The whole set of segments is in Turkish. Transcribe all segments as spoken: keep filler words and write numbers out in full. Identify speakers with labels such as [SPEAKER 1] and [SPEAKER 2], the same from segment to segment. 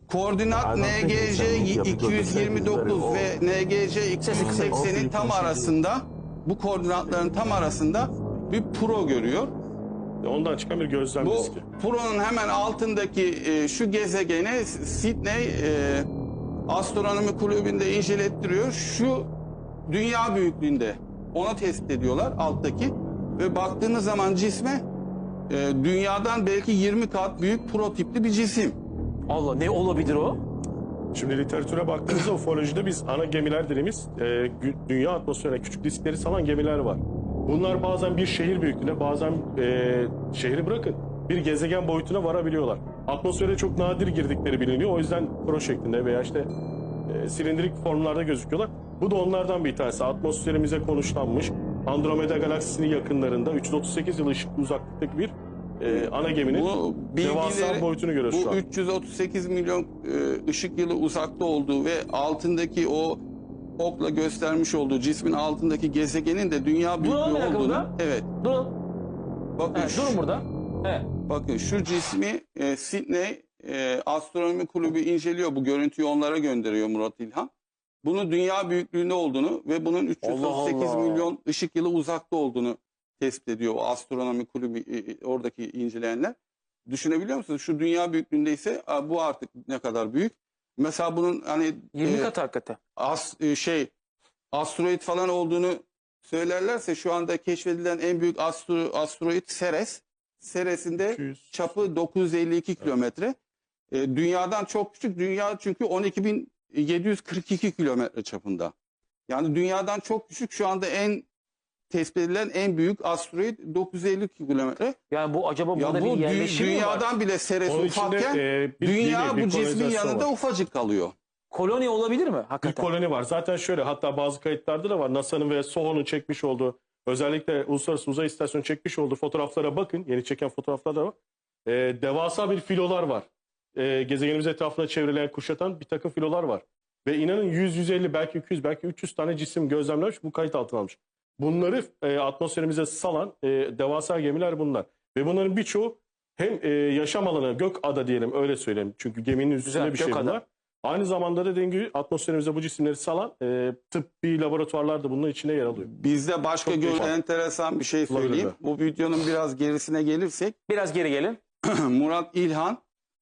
[SPEAKER 1] Koordinat N G C iki yüz yirmi dokuz ve N G C iki yüz seksenin tam arasında, bu koordinatların tam arasında bir pro görüyor.
[SPEAKER 2] Ondan çıkan bir gözlem
[SPEAKER 1] Bu
[SPEAKER 2] riski.
[SPEAKER 1] Pro'nun hemen altındaki e, şu gezegeni Sydney e, Astronomi Kulübü'nde incelettiriyor. Şu dünya büyüklüğünde, onu tespit ediyorlar alttaki ve baktığınız zaman cisme e, dünyadan belki yirmi kat büyük pro tipli bir cisim.
[SPEAKER 3] Allah, ne olabilir o?
[SPEAKER 2] Şimdi literatüre baktığımızda ufolojide biz ana gemiler dediğimiz e, dünya atmosferine küçük diskleri salan gemiler var. Bunlar bazen bir şehir büyüklüğüne, bazen e, şehri bırakın bir gezegen boyutuna varabiliyorlar. Atmosfere çok nadir girdikleri biliniyor. O yüzden pro şeklinde veya işte e, silindirik formlarda gözüküyorlar. Bu da onlardan bir tanesi. Atmosferimize konuşlanmış Andromeda galaksisinin yakınlarında üç yüz otuz sekiz yıl ışık uzaklıktaki bir e, ana geminin
[SPEAKER 1] Bu
[SPEAKER 2] devasa
[SPEAKER 1] bilgileri,
[SPEAKER 2] boyutunu görüyoruz şu
[SPEAKER 1] bu
[SPEAKER 2] an.
[SPEAKER 1] üç yüz otuz sekiz milyon e, ışık yılı uzakta olduğu ve altındaki o okla göstermiş olduğu cismin altındaki gezegenin de dünya büyüklüğü
[SPEAKER 3] Duralım bir dakika
[SPEAKER 1] olduğunu.
[SPEAKER 3] burada.
[SPEAKER 1] Evet.
[SPEAKER 3] Durun.
[SPEAKER 1] Bakın
[SPEAKER 3] Evet,
[SPEAKER 1] şu,
[SPEAKER 3] durun burada. Evet.
[SPEAKER 1] bakın şu cismi e, Sydney e, Astronomi Kulübü inceliyor. Bu görüntüyü onlara gönderiyor Murat İlhan. Bunun dünya büyüklüğünde olduğunu ve bunun üç yüz otuz sekiz
[SPEAKER 3] Allah Allah.
[SPEAKER 1] milyon ışık yılı uzakta olduğunu tespit ediyor o Astronomi Kulübü e, oradaki inceleyenler. Düşünebiliyor musunuz? Şu dünya büyüklüğünde ise a, bu artık ne kadar büyük? Mesela bunun hani
[SPEAKER 3] yirmi
[SPEAKER 1] e,
[SPEAKER 3] kat hakikaten.
[SPEAKER 1] as, e, şey asteroid falan olduğunu söylerlerse şu anda keşfedilen en büyük astro, asteroid Ceres. Ceres'in de
[SPEAKER 2] iki yüz.
[SPEAKER 1] çapı dokuz yüz elli iki kilometre. E, dünyadan çok küçük. Dünya çünkü on iki bin yedi yüz kırk iki kilometre çapında. Yani dünyadan çok küçük, şu anda en tespit edilen en büyük asteroid dokuz yüz elli iki kilometre.
[SPEAKER 3] Yani bu acaba
[SPEAKER 1] Ya
[SPEAKER 3] burada
[SPEAKER 1] bu
[SPEAKER 3] bir
[SPEAKER 1] dü-
[SPEAKER 3] yerleşim mi var?
[SPEAKER 1] dünyadan bile Ceres
[SPEAKER 2] Onun içinde,
[SPEAKER 1] ufakken
[SPEAKER 2] e, bir
[SPEAKER 1] dünya
[SPEAKER 2] gemi, bir
[SPEAKER 1] bu cismin
[SPEAKER 2] kolonizasyon
[SPEAKER 1] yanında
[SPEAKER 2] var.
[SPEAKER 1] ufacık kalıyor.
[SPEAKER 3] Koloni olabilir mi
[SPEAKER 2] Bir
[SPEAKER 3] hakikaten?
[SPEAKER 2] koloni var. Zaten şöyle, hatta bazı kayıtlarda da var. NASA'nın ve S O H O'nun çekmiş olduğu, özellikle Uluslararası Uzay İstasyonu çekmiş olduğu fotoğraflara bakın. Yeni çeken fotoğraflar da var. Ee, devasa bir filolar var. Ee, gezegenimiz etrafında çevreleyen, kuşatan bir takım filolar var. Ve inanın yüz yüz elli, belki iki yüz, belki üç yüz tane cisim gözlemlenmiş, bu kayıt altına almış. Bunları e, atmosferimize salan e, devasa gemiler bunlar. Ve bunların birçoğu hem e, yaşam alanı, gök ada diyelim, öyle söyleyeyim. Çünkü geminin üstünde
[SPEAKER 3] Güzel,
[SPEAKER 2] bir şey
[SPEAKER 3] gök ada.
[SPEAKER 2] bunlar. Aynı zamanda da dediğim gibi atmosferimize bu cisimleri salan e, tıbbi laboratuvarlar da bunun içine yer alıyor.
[SPEAKER 1] Bizde başka
[SPEAKER 2] Çok
[SPEAKER 1] gör
[SPEAKER 2] güzel.
[SPEAKER 1] enteresan bir şey söyleyeyim.
[SPEAKER 2] Olabilir.
[SPEAKER 1] Bu videonun biraz gerisine gelirsek
[SPEAKER 3] Biraz geri gelin.
[SPEAKER 1] Murat İlhan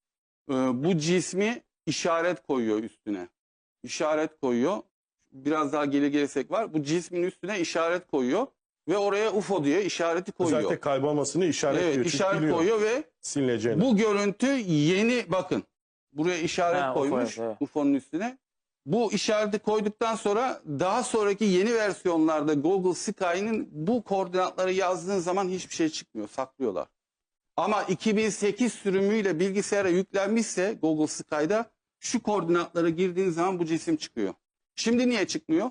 [SPEAKER 1] e, bu cismi işaret koyuyor üstüne. İşaret koyuyor. Biraz daha geri gelirsek var. Bu cismin üstüne işaret koyuyor ve oraya U F O diye işareti koyuyor.
[SPEAKER 2] Özellikle kaybolmasını işaretliyor.
[SPEAKER 1] Evet,
[SPEAKER 2] Çünkü
[SPEAKER 1] işaret
[SPEAKER 2] biliyor
[SPEAKER 1] koyuyor ve
[SPEAKER 2] silineceğini.
[SPEAKER 1] bu görüntü yeni, bakın buraya işaret
[SPEAKER 3] Ha, U F O,
[SPEAKER 1] koymuş
[SPEAKER 3] evet.
[SPEAKER 1] U F O'nun üstüne. Bu işareti koyduktan sonra daha sonraki yeni versiyonlarda Google Sky'nin bu koordinatları yazdığın zaman hiçbir şey çıkmıyor, saklıyorlar. Ama iki bin sekiz sürümüyle bilgisayara yüklenmişse Google Sky'da şu koordinatlara girdiğin zaman bu cisim çıkıyor. Şimdi niye çıkmıyor?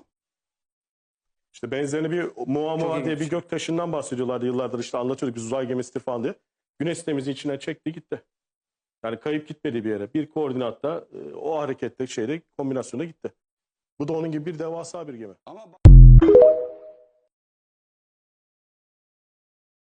[SPEAKER 2] İşte benzerini bir Muamua diye
[SPEAKER 3] ilginç.
[SPEAKER 2] bir göktaşından bahsediyorlardı yıllardır, işte anlatıyorduk biz, uzay gemisidir falan diye. Güneş sistemimizin içine çekti gitti. Yani kayıp gitmedi bir yere. Bir koordinatta e, o harekette şeyde kombinasyona gitti. Bu da onun gibi bir devasa bir gemi.
[SPEAKER 1] Ama